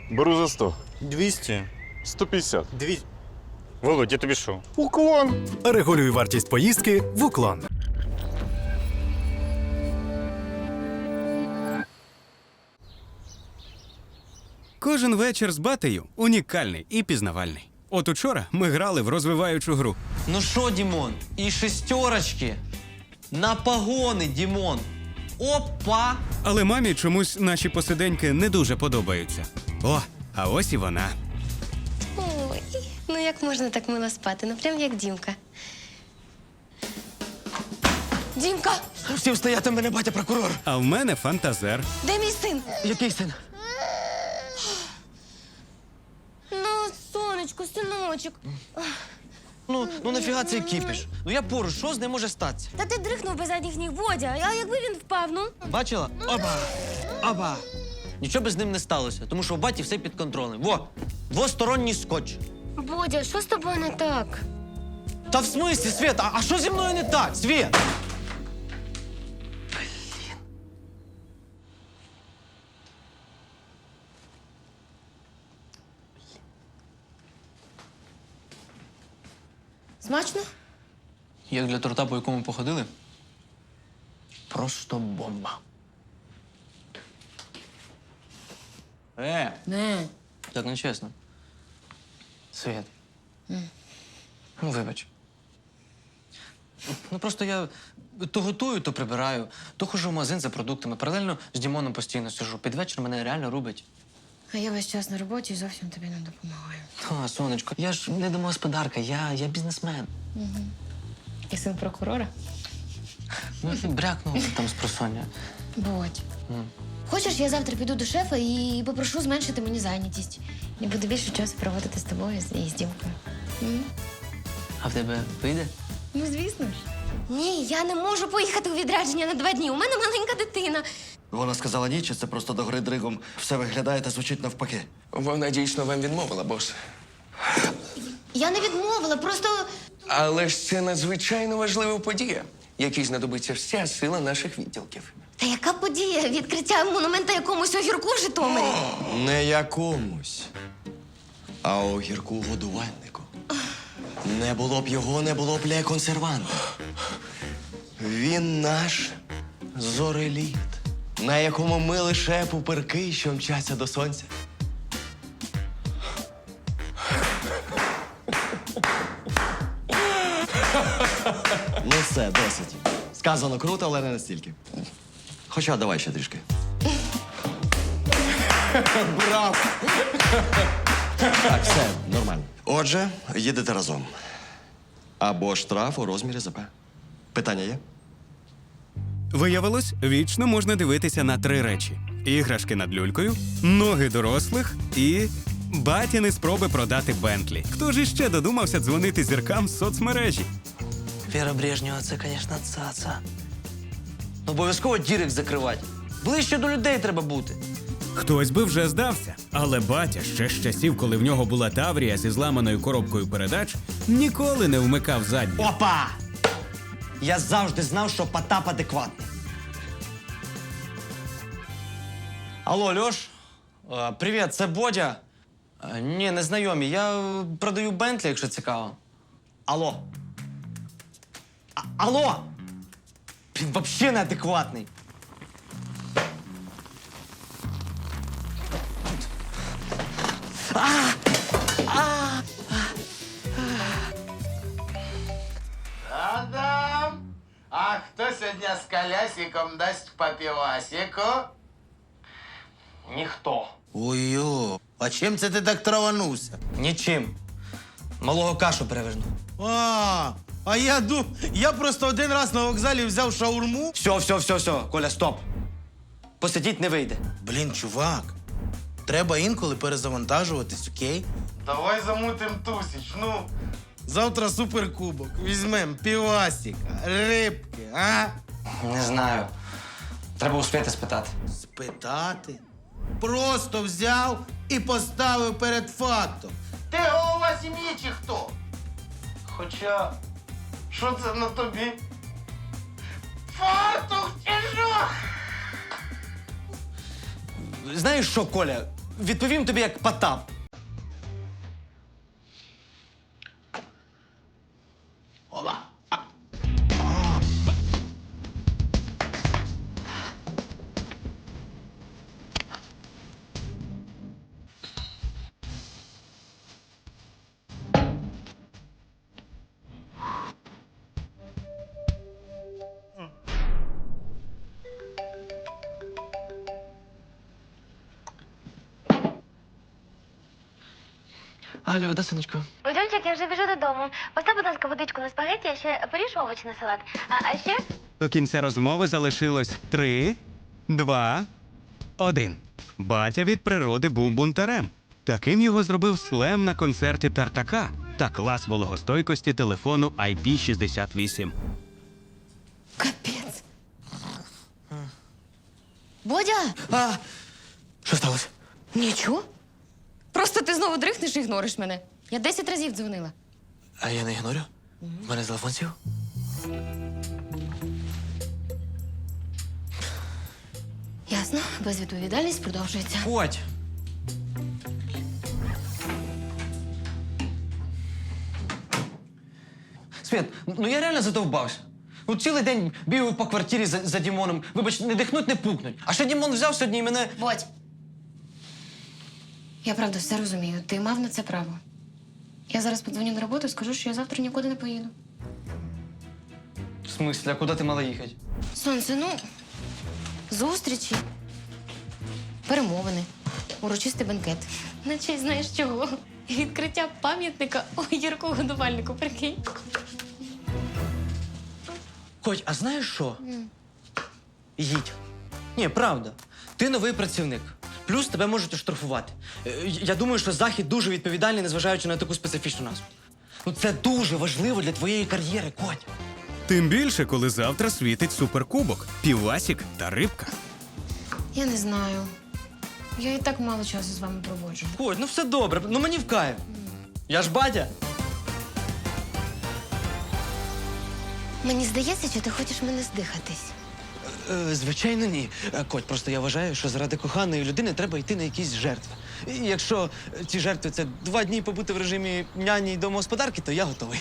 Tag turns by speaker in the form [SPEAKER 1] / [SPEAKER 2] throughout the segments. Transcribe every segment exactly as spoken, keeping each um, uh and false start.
[SPEAKER 1] Беру за сто.
[SPEAKER 2] двісті.
[SPEAKER 1] сто п'ятдесят.
[SPEAKER 2] Дві... Володь, я тобі що?
[SPEAKER 1] Уклон.
[SPEAKER 3] Регулюй вартість поїздки в Уклон.
[SPEAKER 4] Кожен вечір з батею унікальний і пізнавальний. От учора ми грали в розвиваючу гру.
[SPEAKER 5] Ну що, Дімон, і шестерочки на погони, Дімон. Опа!
[SPEAKER 4] Але мамі чомусь наші посиденьки не дуже подобаються. О, а ось і вона.
[SPEAKER 6] Ой, ну як можна так мило спати? Ну прям як Дімка. Дімка,
[SPEAKER 5] Всім стояти, мене батя прокурор.
[SPEAKER 4] А в мене фантазер.
[SPEAKER 6] де мій син?
[SPEAKER 5] Який син?
[SPEAKER 6] Ну, сонечко, синочок.
[SPEAKER 5] Ну, ну нафіга цей кіпіш? Ну я поруч, що з ним може статися?
[SPEAKER 6] Та ти дрихнув без задніх ніг, Бодя. А якби він впав, ну?
[SPEAKER 5] Бачила? Оба! Оба! Нічого би з ним не сталося, тому що у баті все під контролем. Во! Двосторонній скотч.
[SPEAKER 6] Бодя, що з тобою не так?
[SPEAKER 5] Та в смислі, Свет, а, а що зі мною не так, Свет?
[SPEAKER 6] Смачно?
[SPEAKER 5] Як для торта, по якому походили? Просто бомба. Е,
[SPEAKER 6] Не.
[SPEAKER 5] так не чесно. Свет. Ну, вибач. Ну, просто я то готую, то прибираю, то ходжу в магазин за продуктами. Паралельно з Дімоном постійно сижу. Під вечір мене реально рубить.
[SPEAKER 6] А я весь час на роботі і зовсім тобі не допомагаю.
[SPEAKER 5] Та, сонечко, я ж не домогосподарка, я, я бізнесмен.
[SPEAKER 6] І син прокурора?
[SPEAKER 5] Ну, брякнув там з просоння.
[SPEAKER 6] Бодь. Хочеш, я завтра піду до шефа і попрошу зменшити мені зайнятість. І буду більше часу проводити з тобою і з Дімкою. М?
[SPEAKER 5] А в тебе вийде?
[SPEAKER 6] Ну, звісно ж. Ні, я не можу поїхати у відрядження на два дні. У мене маленька дитина.
[SPEAKER 7] Вона сказала ні, чи це просто до гри дригом все виглядає та звучить навпаки.
[SPEAKER 8] Вона дійсно вам відмовила, бос.
[SPEAKER 6] Я не відмовила, просто.
[SPEAKER 8] Але ж це надзвичайно важлива подія, якій знадобиться вся сила наших відділків.
[SPEAKER 6] Та яка подія? Відкриття монумента якомусь огірку в Житомирі.
[SPEAKER 7] Не якомусь, а огірку годувальнику. Не було б його, не було б ля-консерванта. Він наш зореліт, на якому ми лише пупирки, що мчаться до сонця. Ну все, досить. Сказано круто, але не настільки. Хоча давай ще трішки. Браво! Так, все, нормально. Отже, їдете разом. Або штраф у розмірі ЗП. Питання є?
[SPEAKER 4] Виявилось, вічно можна дивитися на три речі: іграшки над люлькою, ноги дорослих і батіни спроби продати Бентлі. Хто ж іще додумався дзвонити зіркам з соцмережі?
[SPEAKER 5] Віра Брежнєва, це, звісно, цаца. Ну, обов'язково дірек закривати. Ближче до людей треба бути.
[SPEAKER 4] Хтось би вже здався, але батя ще з часів, коли в нього була Таврія зі зламаною коробкою передач, ніколи не вмикав задню.
[SPEAKER 5] Опа! Я завжди знав, що Потап адекватний. Алло, Льош? Е, Привіт, це Бодя. Е, Ні, не знайомі. Я е, продаю Бентлі, якщо цікаво. Алло. А- Алло! Він взагалі неадекватний.
[SPEAKER 9] Адам, а кто сегодня с колясиком даст по пивасику?
[SPEAKER 5] Ніхто.
[SPEAKER 10] Ой-ой, а чим це ти так траванувся?
[SPEAKER 5] Нічим. Малого кашу переверну.
[SPEAKER 10] А, а я ду, я просто один раз на вокзалі взяв шаурму.
[SPEAKER 5] Все, все, все, все. Коля, стоп. Посидіть не вийде.
[SPEAKER 10] Блін, чувак, треба інколи перезавантажуватись, окей?
[SPEAKER 9] Давай замутим тусіч, ну.
[SPEAKER 10] Завтра суперкубок. Візьмем півасіка, рибки, а?
[SPEAKER 5] Не знаю. Треба успіти спитати.
[SPEAKER 10] Спитати? Просто взяв і поставив перед фактом.
[SPEAKER 9] Ти голова сім'ї чи хто? Хоча, що це на тобі? Фартух чи що?
[SPEAKER 5] Знаєш що, Коля? відповім тобі як Потап. Алло, да, сонечко?
[SPEAKER 6] Дончик, я вже біжу додому. Постав, будь ласка, водичку на спагеті, а ще поріж овочі на салат. А, а ще?
[SPEAKER 4] До кінця розмови залишилось три, два, один. Батя від природи був бунтарем. Таким його зробив слем на концерті Тартака та клас вологостойкості телефону ай пі шістдесят вісім.
[SPEAKER 6] Капець. Бодя!
[SPEAKER 5] А, що сталося?
[SPEAKER 6] Нічого. Просто ти знову дрихнеш і ігнориш мене. Я десять разів дзвонила.
[SPEAKER 5] А я не ігнорю? У мене телефон сів.
[SPEAKER 6] Ясно, безвідповідальність продовжується.
[SPEAKER 5] Ходь. Свет, ну я реально задовбався. Ну, цілий день бігаю по квартирі за, за Дімоном. Вибач, не дихнуть, не пукнуть. А ще Дімон взяв сьогодні і мене.
[SPEAKER 6] Бодь. Я правда все розумію. Ти мав на це право. Я зараз подзвоню на роботу і скажу, що я завтра нікуди не поїду.
[SPEAKER 5] В смислі, а куди ти мала їхати?
[SPEAKER 6] Сонце, ну, зустрічі, перемовини, урочистий бенкет. На честь знаєш чого? Відкриття пам'ятника Огірку годувальнику, прикинь.
[SPEAKER 5] Коть, а знаєш що? Їдь. Ні, правда. Ти новий працівник. Плюс тебе можуть оштрафувати. Е, Я думаю, що Захід дуже відповідальний, незважаючи на таку специфічну назву. Ну, це дуже важливо для твоєї кар'єри, Коть.
[SPEAKER 4] Тим більше, коли завтра світить суперкубок, півасік та рибка.
[SPEAKER 6] Я не знаю. Я і так мало часу з вами проводжу.
[SPEAKER 5] Коть, ну все добре, ну мені в кайф. Я ж батя.
[SPEAKER 6] Мені здається, що ти хочеш мене здихатись.
[SPEAKER 5] Е, звичайно, ні. Е, Коть, просто я вважаю, що заради коханої людини треба йти на якісь жертви. І якщо е, ці жертви це два дні побути в режимі няні й домогосподарки, то я готовий.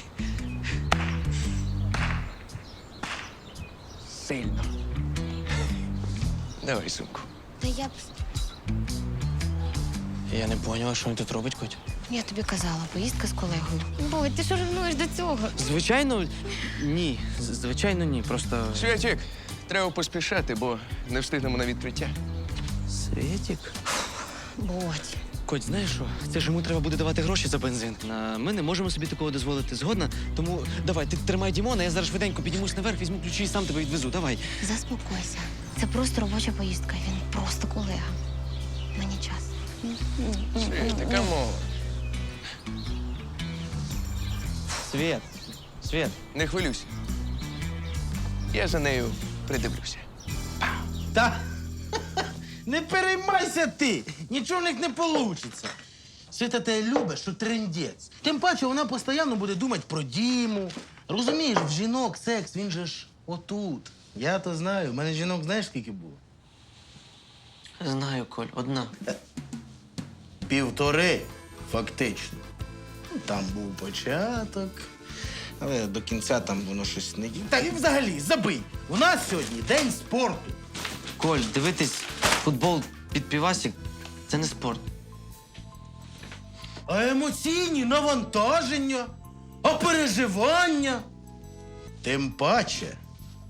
[SPEAKER 8] Сильно. Давай сумку.
[SPEAKER 6] Та я б.
[SPEAKER 5] Я не поняла, що він тут робить, Коть.
[SPEAKER 6] Я тобі казала, поїздка з колегою. Бодь, ти що ревнуєш до цього?
[SPEAKER 5] Звичайно, ні. З- Звичайно, ні. Просто.
[SPEAKER 8] Святік, треба поспішати, бо не встигнемо на відкриття.
[SPEAKER 5] Світік.
[SPEAKER 6] Бодь.
[SPEAKER 5] Коть, знаєш що? Це ж йому треба буде давати гроші за бензин. А ми не можемо собі такого дозволити. Згодна? Тому давай, ти тримай Дімона, я зараз швиденько піднімусь наверх, візьму ключі і сам тебе відвезу. Давай.
[SPEAKER 6] Заспокойся. Це просто робоча поїздка. Він просто колега. Мені час.
[SPEAKER 8] Світ, камон.
[SPEAKER 5] Світ. Світ.
[SPEAKER 8] Не хвилюйся. Я за нею придивлюся.
[SPEAKER 10] Та не переймайся ти, нічого в них не вийде. Світа тебе любить, що трендець. Тим паче вона постійно буде думати про Діму. Розумієш, в жінок секс, він же ж отут. Я то знаю, в мене жінок знаєш скільки було?
[SPEAKER 5] Знаю, Коль, одна.
[SPEAKER 10] Півтори, фактично. Ну, там був початок, але до кінця там воно щось не... Та і взагалі, забий. У нас сьогодні день спорту.
[SPEAKER 5] Коль, дивитись футбол під півасік – це не спорт.
[SPEAKER 10] А емоційні навантаження, а переживання. Тим паче.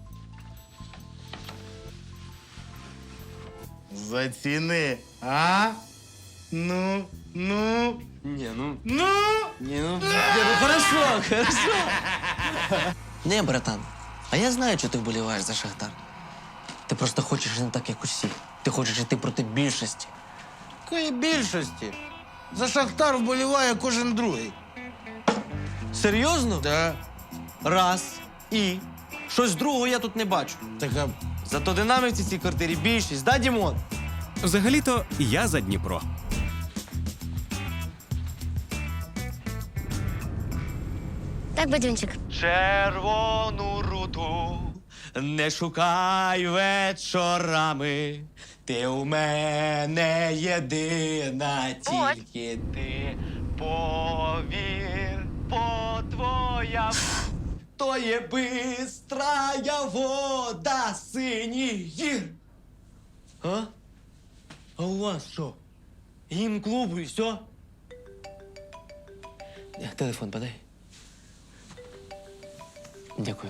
[SPEAKER 10] Заціни, а? Ну, ну,
[SPEAKER 5] Ні, ну.
[SPEAKER 10] ну.
[SPEAKER 5] Ні, ну. Ні, ну хорошо, хорошо. Не, братан, а я знаю, що ти вболіваєш за Шахтар. Ти просто хочеш не так, як усі. Ти хочеш йти проти більшості.
[SPEAKER 10] Якої більшості? За Шахтар вболіває кожен другий.
[SPEAKER 5] Серйозно?
[SPEAKER 10] Так.
[SPEAKER 5] Раз. І. Щось другого я тут не бачу.
[SPEAKER 10] Так, а
[SPEAKER 5] Зато динамівці в цій квартирі більшість, да, Дімон?
[SPEAKER 4] Взагалі-то я за Дніпро.
[SPEAKER 6] Так, Бадюнчик.
[SPEAKER 5] Червону руту не шукай вечорами. Ти у мене єдина, тільки ти повір, по твоя. То є бистрая вода синіх гір. А? А у вас що? Гімн клубу і все? Телефон подай. Дякую.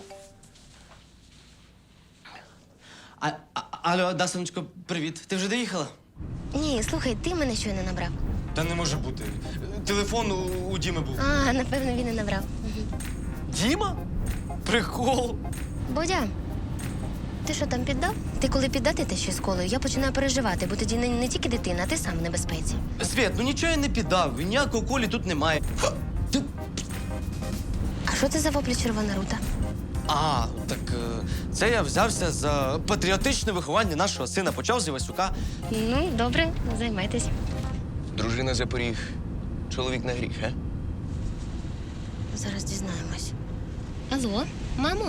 [SPEAKER 5] А, а, алло, да, сонечко, привіт. Ти вже доїхала?
[SPEAKER 6] Ні, слухай, ти мене щойно набрав.
[SPEAKER 5] Та не може бути. Телефон у, у Діми був.
[SPEAKER 6] А, напевно, він і набрав.
[SPEAKER 5] Діма? Прикол.
[SPEAKER 6] Бодя, ти що там піддав? Ти коли піддати те ще з колою, я починаю переживати, бо тоді не, не тільки дитина, а ти сам в небезпеці.
[SPEAKER 5] Свет, ну нічого я не піддав. Ніякого колі тут немає. Ти...
[SPEAKER 6] А що це за воплі червона рута?
[SPEAKER 5] А, так е, це я взявся за патріотичне виховання нашого сина. Почав з Івасюка.
[SPEAKER 6] Ну, добре, займайтесь.
[SPEAKER 7] Дружина за поріг, чоловік на гріх, а?
[SPEAKER 6] Зараз дізнаємось. Алло, мамо?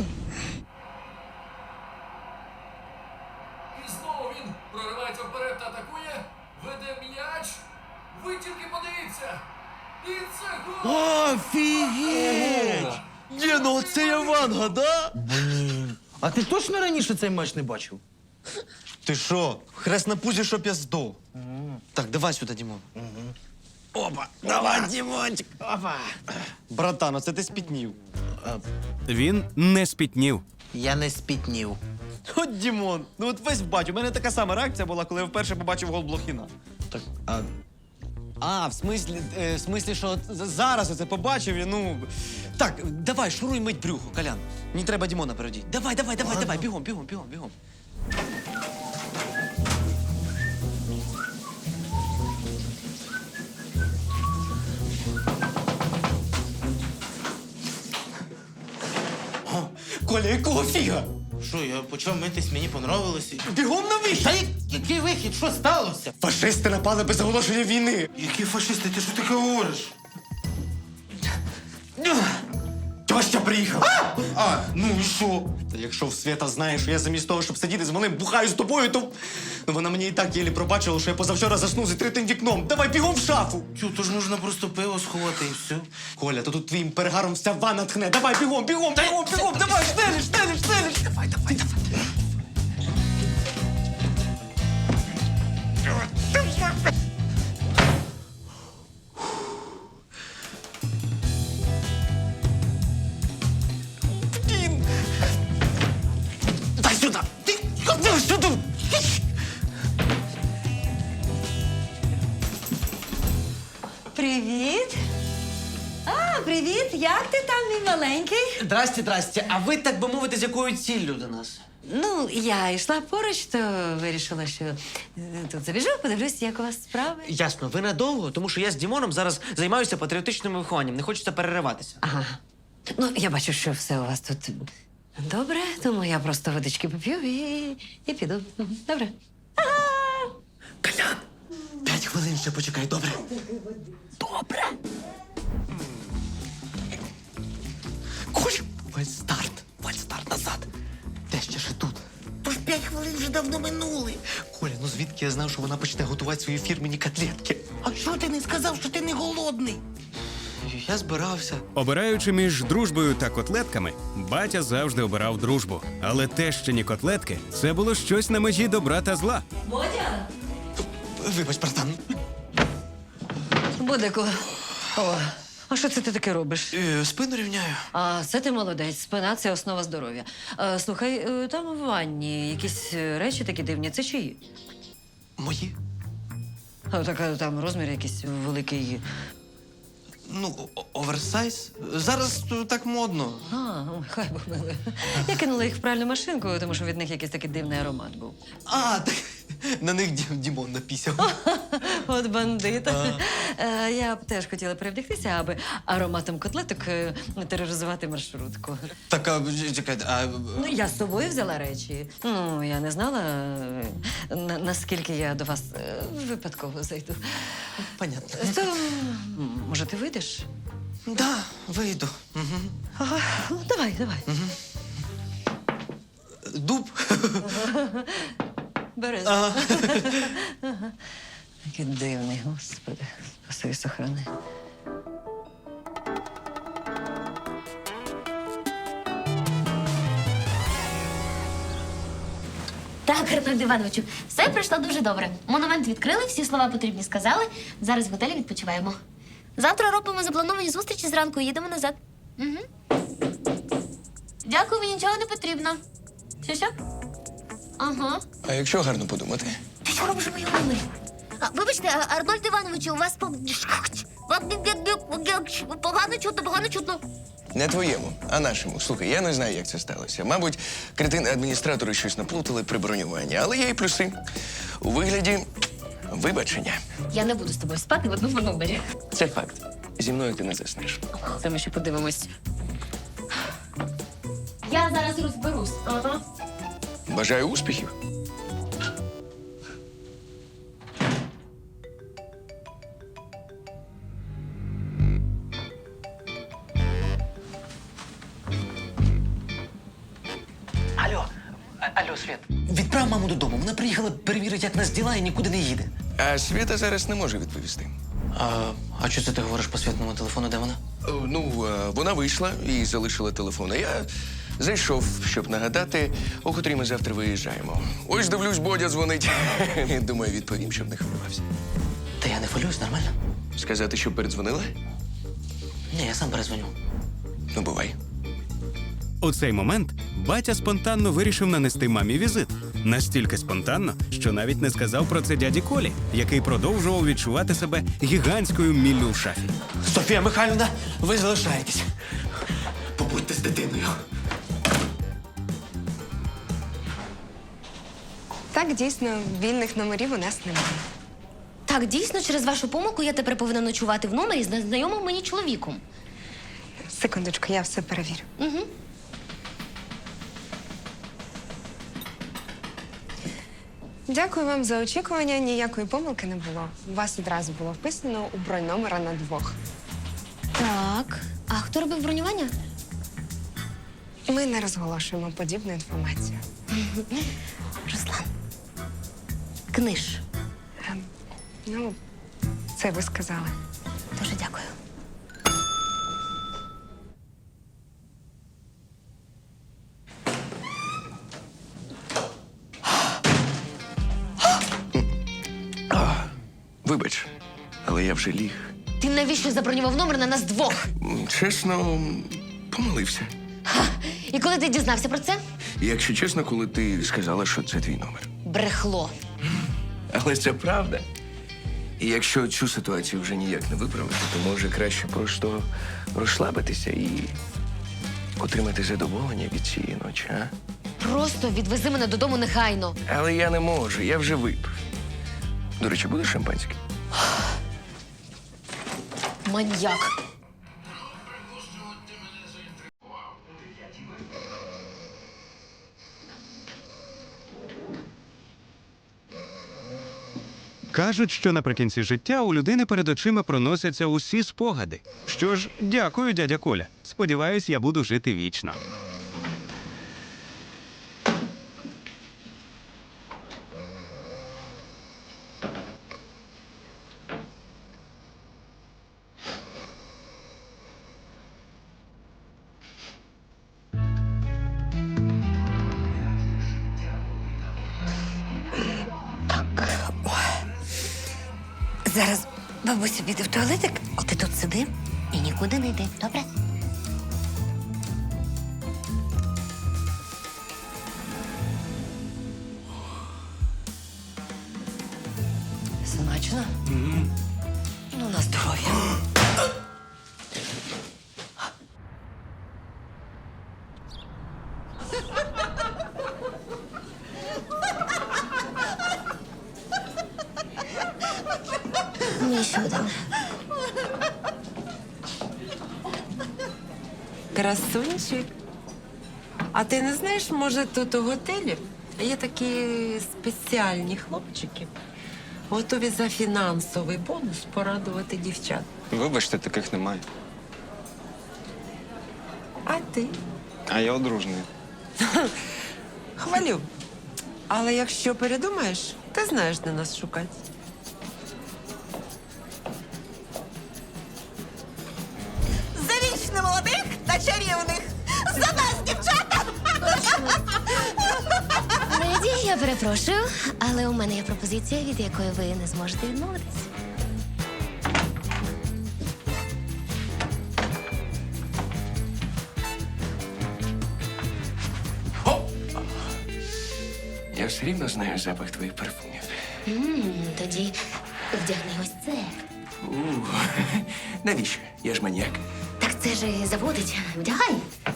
[SPEAKER 1] І знову він проривається вперед та атакує, веде м'яч. Ви тільки подивіться. І це гол!
[SPEAKER 10] Офігеть!
[SPEAKER 5] Ні, ну це я Ванга, да?
[SPEAKER 10] Блін. А ти точно раніше цей матч не бачив?
[SPEAKER 5] Ти що? Хрест на пузі, щоб я здох. Так, давай сюди, Дімон. Опа, давай, Дімончик.
[SPEAKER 10] Опа.
[SPEAKER 5] Братан, оце ти спітнів.
[SPEAKER 3] Він не спітнів.
[SPEAKER 10] Я не спітнів.
[SPEAKER 5] От Дімон, ну от весь бачу. У мене така сама реакція була, коли я вперше побачив гол Блохіна.
[SPEAKER 10] Так, а
[SPEAKER 5] А, в смислі, е, в смислі, що от з- зараз я це побачив і ну. Так, давай, шуруй мить брюхо, Колян. Мені треба Дімона переодіть. Давай, давай, давай, давай, бігом, бігом, бігом, бігом. О, Коля, якого фіга?
[SPEAKER 10] що, я почав митись, мені понравилося.
[SPEAKER 5] Бігом на вихід!
[SPEAKER 10] Та я- який вихід? Що сталося?
[SPEAKER 5] Фашисти напали без оголошення війни.
[SPEAKER 10] Які фашисти? Ти що таке говориш?
[SPEAKER 5] Тьоща приїхав.
[SPEAKER 10] А, ну і що?
[SPEAKER 5] Та якщо в Свята знає, що я замість того, щоб сидіти з малим, бухаю з тобою, то ну, вона мені і так єлі пробачила, що я позавчора заснув з відкритим вікном. Давай бігом в шафу.
[SPEAKER 10] Тю, то ж можна просто пиво сховати і все.
[SPEAKER 5] Коля, то тут твоїм перегаром вся ванна тхне. Давай бігом, бігом, бігом, бігом, давай, штелиш, штелиш, штелиш. Давай, давай, давай. Блін. Дай сюди. Ти, дай сюди.
[SPEAKER 11] Привіт. А, привіт. Як ти там, мій маленький?
[SPEAKER 5] Здрасте, здрасте. А ви, так би мовити, з якою ціллю до нас?
[SPEAKER 11] Ну, я йшла поруч, то вирішила, що е, тут забіжу, подивлюсь, як у вас справи.
[SPEAKER 5] Ясно, ви надовго, тому що я з Дімоном зараз займаюся патріотичним вихованням. Не хочеться перериватися.
[SPEAKER 11] Ага. Ну, я бачу, що все у вас тут добре, тому я просто водички поп'ю і, і піду. Мгм. Добре.
[SPEAKER 5] Колян, п'ять хвилин ще почекай, добре? Добре. Коль, вальстарт, вальстарт назад. Те ще ще тут.
[SPEAKER 10] Тож п'ять хвилин вже давно минули.
[SPEAKER 5] Коля, ну звідки я знав, що вона почне готувати свої фірмені котлетки?
[SPEAKER 10] А що ти не сказав, що ти не голодний?
[SPEAKER 5] Я збирався.
[SPEAKER 3] Обираючи між дружбою та котлетками, батя завжди обирав дружбу. Але тещині котлетки – це було щось на межі добра та зла.
[SPEAKER 11] Бодя!
[SPEAKER 5] Вибач, братан.
[SPEAKER 11] Бодику. О, а що це ти таке робиш?
[SPEAKER 5] Е, спину рівняю.
[SPEAKER 11] А, це ти молодець. Спина – це основа здоров'я. А, слухай, е, там у ванні якісь е, речі такі дивні. Це чиї?
[SPEAKER 5] Мої?
[SPEAKER 11] А, так, а, там розмір якийсь великий.
[SPEAKER 5] Ну, о- оверсайз. Зараз е, так модно.
[SPEAKER 11] А, ой, хай Бог милує. Я кинула їх в пральну машинку, тому що від них якийсь такий дивний аромат був.
[SPEAKER 5] А, так на них Дім- Дімон напісяв.
[SPEAKER 11] От бандит. Е, Я б теж хотіла перевдягтися, аби ароматом котлеток е, тероризувати маршрутку.
[SPEAKER 5] Так, а, чекайте, а...
[SPEAKER 11] Ну, я з собою взяла речі. Ну, я не знала, е, на- наскільки я до вас е, випадково зайду.
[SPEAKER 5] Понятно.
[SPEAKER 11] То, м, може, ти вийдеш?
[SPEAKER 5] Да, вийду. Угу.
[SPEAKER 11] Ага, ну, давай, давай.
[SPEAKER 5] Дуб.
[SPEAKER 11] бери. Який дивний, господи. Спаси і сохрани.
[SPEAKER 6] Так, Арнольд Івановичу, все пройшло дуже добре. Монумент відкрили, всі слова потрібні сказали. Зараз в готелі відпочиваємо. Завтра робимо заплановані зустрічі зранку і їдемо назад. Угу. Дякую, мені нічого не потрібно. Що що? Ага.
[SPEAKER 7] А якщо гарно подумати?
[SPEAKER 6] Ти що робиш у моєму номері? А, вибачте, а, Арнольд Івановичу, у вас по... погано чутно, погано чутно.
[SPEAKER 7] Не твоєму, а нашому. Слухай, я не знаю, як це сталося. Мабуть, кретини-адміністратори щось наплутали при бронюванні, але є і плюси. У вигляді вибачення.
[SPEAKER 6] Я не буду з тобою спати в одному номері.
[SPEAKER 7] Це факт. Зі мною ти не заснеш.
[SPEAKER 6] Це ми ще подивимось. Я зараз розберусь. Ага.
[SPEAKER 7] Бажаю успіхів.
[SPEAKER 5] Алло, А- алло, Світ. Відправ маму додому. Вона приїхала перевірити, як нас діла, і нікуди не їде.
[SPEAKER 7] А Світа зараз не може відповісти.
[SPEAKER 5] А, а що це ти говориш по світному телефону? Де вона?
[SPEAKER 7] Е, Ну, е, вона вийшла і залишила телефон. А я зайшов, щоб нагадати, о котрій ми завтра виїжджаємо. Ось дивлюсь, Бодя дзвонить. Думаю, відповім, щоб не хвилювався.
[SPEAKER 5] Та я не хвилююсь, нормально?
[SPEAKER 7] Сказати, щоб передзвонила?
[SPEAKER 5] Ні, я сам перезвоню.
[SPEAKER 7] Ну, бувай.
[SPEAKER 3] У цей момент батя спонтанно вирішив нанести мамі візит. Настільки спонтанно, що навіть не сказав про це дяді Колі, який продовжував відчувати себе гігантською міллю в шафі.
[SPEAKER 5] Софія Михайлівна, ви залишаєтесь. Побудьте з дитиною.
[SPEAKER 12] Так, дійсно, вільних номерів у нас немає.
[SPEAKER 6] Так, дійсно, через вашу помилку я тепер повинна ночувати в номері з незнайомим мені чоловіком.
[SPEAKER 12] Секундочку, я все перевірю.
[SPEAKER 6] Угу.
[SPEAKER 12] Дякую вам за очікування. Ніякої помилки не було. У вас одразу було вписано у бронь номера на двох.
[SPEAKER 6] Так. А хто робив бронювання?
[SPEAKER 12] Ми не розголошуємо подібну інформацію.
[SPEAKER 6] Руслан. Книж.
[SPEAKER 12] Ем, ну, це ви сказали.
[SPEAKER 6] Дуже дякую.
[SPEAKER 7] Вибач, але я вже ліг.
[SPEAKER 6] Ти навіщо забронював номер на нас двох?
[SPEAKER 7] М, Чесно, помилився.
[SPEAKER 6] І коли ти дізнався про це?
[SPEAKER 7] Якщо чесно, коли ти сказала, що це твій номер.
[SPEAKER 6] Брехло.
[SPEAKER 7] Але це правда. І якщо цю ситуацію вже ніяк не виправити, то може краще просто розслабитися і отримати задоволення від цієї ночі, а?
[SPEAKER 6] Просто відвези мене додому негайно.
[SPEAKER 7] Але я не можу, я вже випив. До речі, буде шампанське?
[SPEAKER 6] Маньяк.
[SPEAKER 4] Кажуть, що наприкінці життя у людини перед очима проносяться усі спогади. Що ж, дякую, дядя Коля. Сподіваюсь, я буду жити вічно.
[SPEAKER 6] Зараз бабуся піде в туалетик, а ти тут сиди і нікуди не йди, добре?
[SPEAKER 11] Смачно? Ну, на здоров'я.
[SPEAKER 6] Мені ще один.
[SPEAKER 13] Красунчик. А ти не знаєш, може, тут у готелі є такі спеціальні хлопчики, готові за фінансовий бонус порадувати дівчат.
[SPEAKER 14] Вибачте, таких немає.
[SPEAKER 13] А ти?
[SPEAKER 14] А я одружений.
[SPEAKER 13] Хвалю. Але якщо передумаєш, ти знаєш, де нас шукати.
[SPEAKER 14] За вічно молодих та чарівних! За нас, дівчата!
[SPEAKER 6] Леді, я перепрошую, але у мене є пропозиція, від якої ви не зможете відмовитись.
[SPEAKER 7] Я все рівно знаю запах твоїх парфумів.
[SPEAKER 6] М, Тоді вдягни ось це.
[SPEAKER 7] У, навіщо? Я ж маніяк.
[SPEAKER 6] Так це ж і заводить. Вдягай.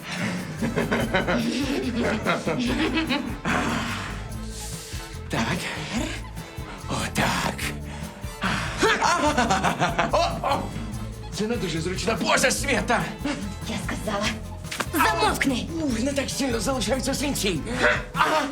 [SPEAKER 7] Так. Отак. О, о! Це не дуже зручно. Боже, Свята!
[SPEAKER 6] Я сказала. Замовкни!
[SPEAKER 7] Ух, не так сильно залишаються синці.
[SPEAKER 6] А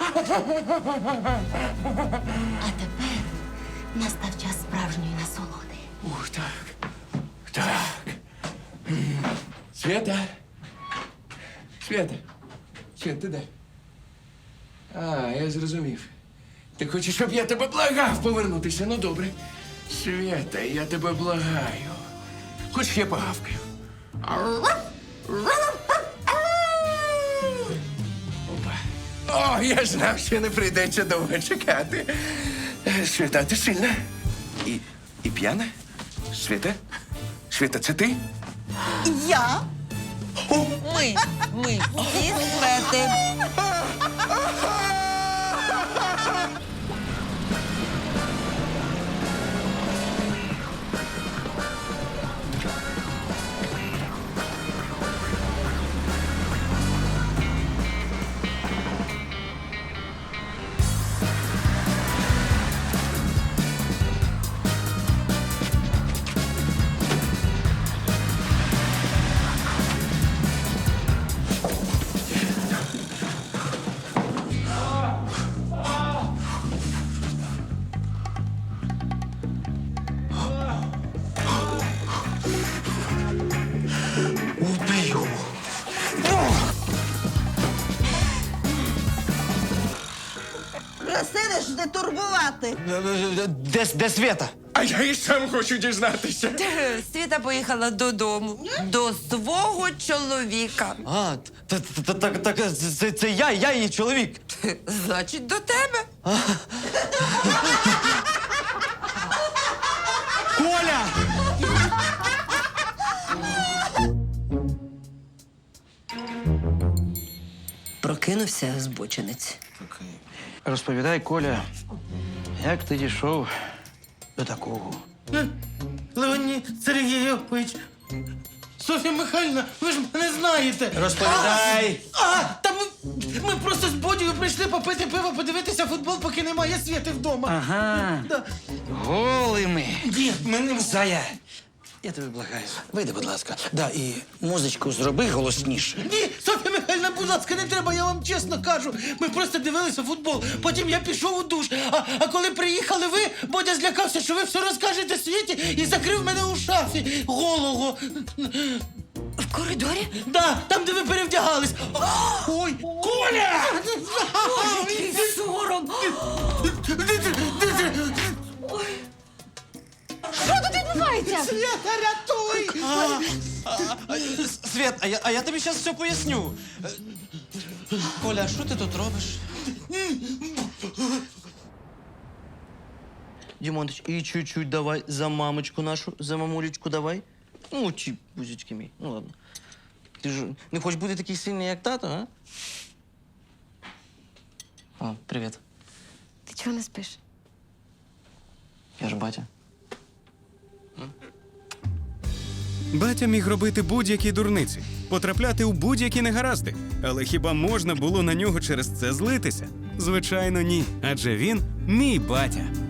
[SPEAKER 6] тепер настав час справжньої насолоди.
[SPEAKER 7] Ух, так. Так. М. Свята. Свята. Свята, ти де? А, я зрозумів. Ти хочеш, щоб я тебе благав повернутися? Ну, добре. Свята, я тебе благаю. Хоч я погавкаю. Опа. О, я знав, що не прийдеться довго чекати. Е, Свята, ти сильна. І, і п'яна? Свята? Свята, це ти?
[SPEAKER 14] Я?
[SPEAKER 13] Ми, ми всі свети.
[SPEAKER 7] Убью.
[SPEAKER 14] Просили ж не турбувати.
[SPEAKER 5] Де, де Свята?
[SPEAKER 7] А я і сам хочу дізнатися.
[SPEAKER 13] Світа поїхала додому. До свого чоловіка.
[SPEAKER 5] А, так, так, так, так, це, це я, я її чоловік.
[SPEAKER 13] Значить, до тебе.
[SPEAKER 5] Коля!
[SPEAKER 13] Прокинувся збочинець.
[SPEAKER 10] Розповідай, Коля, як ти дійшов до такого? Леонід Сергійович, Софія Михайлівна, ви ж мене знаєте.
[SPEAKER 5] Розповідай.
[SPEAKER 10] А, а та ми, ми просто з Бодією прийшли попити пиво, подивитися футбол, поки немає Світи вдома.
[SPEAKER 15] Ага.
[SPEAKER 10] Да.
[SPEAKER 15] Голими.
[SPEAKER 10] Ні, ми не...
[SPEAKER 15] Зая, я тебе благаю. Вийди, будь ласка. Да, і музичку зроби голосніше.
[SPEAKER 10] Ні, Софія Михайлівна, будь ласка, не треба, я вам чесно кажу. Ми просто дивилися футбол, потім я пішов у душ. А, а коли приїхали ви, Бодя злякався, що ви все розкажете Світі і закрив мене у шафі голого.
[SPEAKER 6] В коридорі?
[SPEAKER 10] Да, там, де ви перевдягались. Ой, Коля!
[SPEAKER 6] Який сором! Що тут відбувається?
[SPEAKER 10] Свята, рятуй!
[SPEAKER 5] Свят, а я, а я тобі зараз все поясню. Е, Коля, а що ти тут робиш?
[SPEAKER 15] Дімонтич, і чуть-чуть давай за мамочку нашу, за мамулечку давай. Ну, чи бузечки мій. Ну ладно. Ти ж не хочеш бути такий сильний, як тато, а?
[SPEAKER 5] О, привіт.
[SPEAKER 12] Ти чого не спиш?
[SPEAKER 5] Я ж батя.
[SPEAKER 3] Батя міг робити будь-які дурниці, потрапляти у будь-які негаразди. Але хіба можна було на нього через це злитися? Звичайно, ні. Адже він мій батя.